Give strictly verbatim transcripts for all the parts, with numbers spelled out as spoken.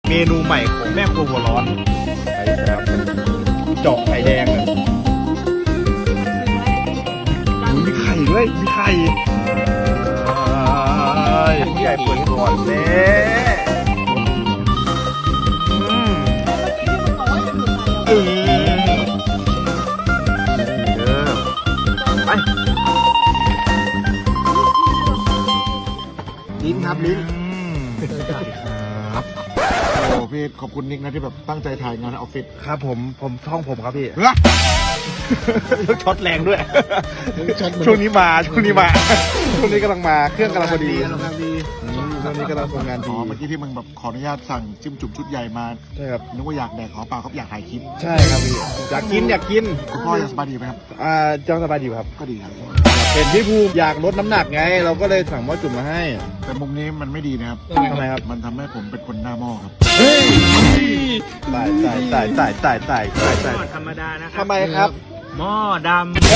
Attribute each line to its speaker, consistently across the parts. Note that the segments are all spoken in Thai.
Speaker 1: เมนูใหม่ของแม่ครัวหัวร้อนไอ้ครับเจาะไข่แดงเลยมีไข่ด้วยมีไข่พี่ใหญ่เปิดก่อนเน่เออไปลิ้นครับลิ้น
Speaker 2: ครับโอ้พี่ขอบคุณนิกนะที่แบบตั้งใจถ่ายงานในออฟฟิศ
Speaker 1: ครับผมผมช่องผมครับพี่ช็อตแรงด้วยช่วงนี้มาช่วงนี้มาช่วงนี้กำลังมาเครื่องกำลังพอดีช่วงนี้กำลังทำงาน
Speaker 2: อ๋
Speaker 1: ดี
Speaker 2: อเมื่อกี้ที่มึงแบบขออนุญาตสั่งจิ้มจุ่มชุดใหญ่มา
Speaker 1: ใช่ครับ
Speaker 2: นึกว่าอยากแดกขอเปล่าครับอยากถ่ายคลิป
Speaker 1: ใช่ครับพี่อยากกินอยากกิน
Speaker 2: คุณพ่อยังสบายดีไหมครับ
Speaker 1: อ่าเจ้าสบายดีครับ
Speaker 2: ก็ดีครับ
Speaker 1: เห็นพี่ภูมิอยากลดน้ำหนักไง เราก็เลยสั่งหม้อจุ่มมาให้
Speaker 2: แต่มุมนี้มันไม่ดีนะครับ
Speaker 1: ทำไมครับ
Speaker 2: มันทำให้ผมเป็นคนหน้าหม้อครับ
Speaker 1: เฮ้ยตายตายตายตายตายตายตายตาย
Speaker 3: ธรรมดานะครั
Speaker 1: ทำไมครับ
Speaker 3: หม้อด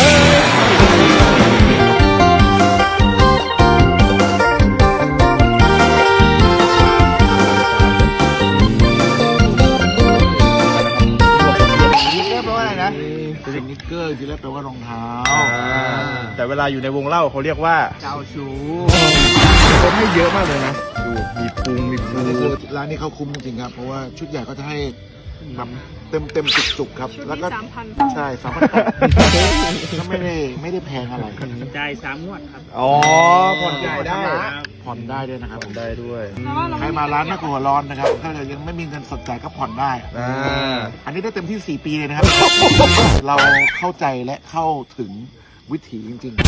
Speaker 1: นี่เรียบร้อยอะไรนะ
Speaker 2: สนิกเกอร์ที่แรกแปลว่ารองเท้า
Speaker 1: แต่เวลาอยู่ในวงเล่าเขาเรียกว่า
Speaker 3: ำเจ้าชู
Speaker 1: คนให้เยอะมากเลยนะ ดูมีพุงมีพุ
Speaker 2: อัน
Speaker 1: ง
Speaker 2: นี้คือร้านนี้เขาคุ้มจริงๆครับเพราะว่าชุดใหญ่ก็จะให้แบบเต็มเต็มจุกจุกๆครับแล้วก็
Speaker 4: สามพัน
Speaker 2: ใช่สามพันก็ไม่ได้ไม่ได้แพงอะไร
Speaker 3: จ่ายสามงวดครับ
Speaker 1: อ๋อผ่อนจ่ายได้
Speaker 2: ผ่อนได้ด้วยนะครับ
Speaker 1: ผ่อนได้ด้วย
Speaker 2: ใครมาร้านแม่ครัวหัวร้อนนะครับถ้าเกิดยังไม่มีเงินสดจ่ายก็ผ่อนได้
Speaker 1: อ่า
Speaker 2: อันนี้ได้เต็มที่สี่ปีเลยนะครับ เราเข้าใจและเข้าถึงวิถีจริง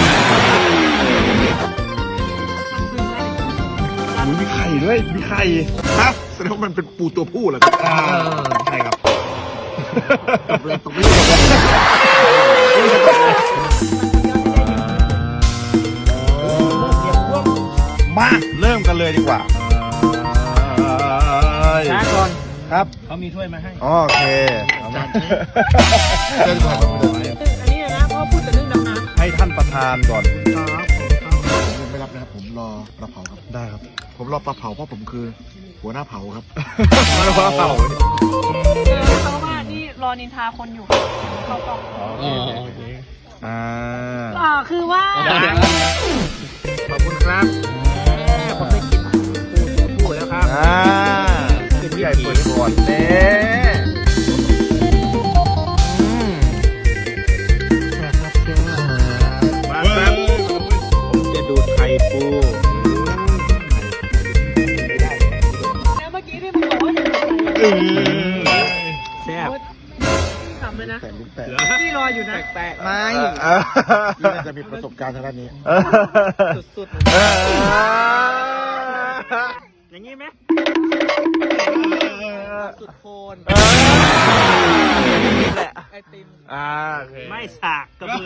Speaker 1: อุ๊ยมีไข่ด้วยมีไข่
Speaker 2: ๆครับแสดงว่ามันเป็นปูตัวผู้เหรอครับ
Speaker 1: อ่าใช่ครับ
Speaker 2: ตบเลยตบไม่ได้
Speaker 1: มาเริ่มกันเลยดีกว่า
Speaker 3: ช้าก่อน
Speaker 1: ครับ
Speaker 3: เขามีถ้วยมาให้
Speaker 1: โอเคเอามา
Speaker 2: เดินผ่านไปเลย
Speaker 4: อันนี้นะเพราะพูดแต่เรื่องดำน้ำ
Speaker 1: ให้ท่านประธานก่อน
Speaker 2: ผมไม่รับนะครับผมรอปลาเผาครับ
Speaker 1: ได้ครับ
Speaker 2: ผมรอปลาเผาเพราะผมคือ หัวหน้าเผาครับ
Speaker 1: มาแล้วเปล่า
Speaker 4: เพราะว่านี่รอนินทาคนอยู่เขากล่อง
Speaker 1: อ่า
Speaker 4: อ่าคือว่า
Speaker 3: ขอบคุณครับผมได้กินปูตัวผู้แล้วครับ
Speaker 1: อ่าคือพี่ใหญ่เปิดก่อนเน่อืม
Speaker 3: มาครับผมจะดูดไข่ปู
Speaker 4: แล้วเมื่อกี้ที่มึงบอกว่าจะใส่
Speaker 1: อืม
Speaker 3: แซ่บ
Speaker 4: ขำเลยนะ
Speaker 2: แต่ลูกแต่
Speaker 4: พี่รออยู่นะ
Speaker 3: แปลก
Speaker 1: ไม่
Speaker 2: ที่น่าจะมีประสบการณ์ทางด้านนี้
Speaker 3: ๆสุด
Speaker 1: เออ
Speaker 3: ๆอย่างนี้ไหมสุดโคน
Speaker 1: แหละ
Speaker 3: ไอติม
Speaker 1: อ่าโอเค
Speaker 3: ไม่สากกระเบือ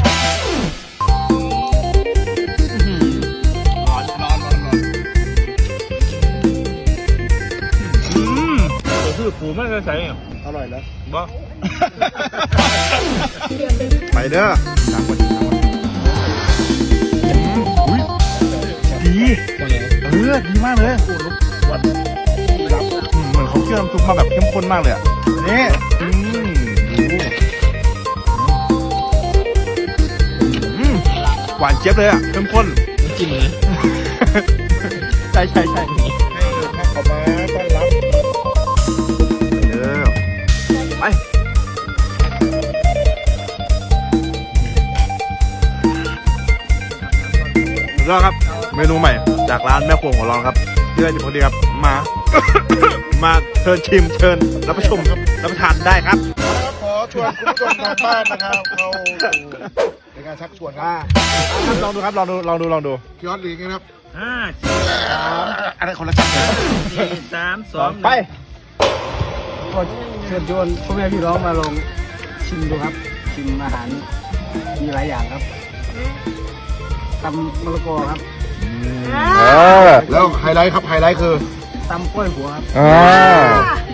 Speaker 1: ร้อนร้อนร้อนร้อนอืมเดี๋ยวคือปูไม่เคยใส่เนี่ย
Speaker 2: อร่อยแล้ว
Speaker 1: บ่ไปเด้อตามคนตามคนอุ้ยดีเออดีมากเลยวันรับเหมือนเขาเชื่อมซุปมาแบบเข้มข้นมากเลยอ่ะนี่อืมอืมหวานเจี๊ยบเลยอ่ะเข้มข้น
Speaker 3: จริงเลย
Speaker 1: ใช่ใช่ใช่
Speaker 2: ให้ข้าวขาวม้าต้อนรับ
Speaker 1: เออไปแล้วครับเมนูใหม่จากร้านแม่ครัวของเราครับเพื่อจะพอดีครับมา มาเชิญชิมเชิญรับประชมรับประทานได้ครับ
Speaker 2: ครับขอชวนคุณผู้ชมทางบ้านนะครับเข้าสู่ในการชักชวนครับ
Speaker 1: ลองดูครับลองดูลองดูลองดู
Speaker 2: พี่ออสหรือไงครับ
Speaker 3: ห้าสี่
Speaker 2: อันนั้นคนละชักเลย
Speaker 3: สี่สามสอง
Speaker 1: ไป
Speaker 5: ก็เชิญชวนพ่อแม่พี่น้องมาลองชิมดูครับ ชิมอาหารมีหลายอย่างครับตำมะละกอครับ
Speaker 1: เออ
Speaker 2: แล้วไฮไลท์ครับไฮไลท์คือ
Speaker 5: ตำกล้วยหัวครับ
Speaker 1: อ่า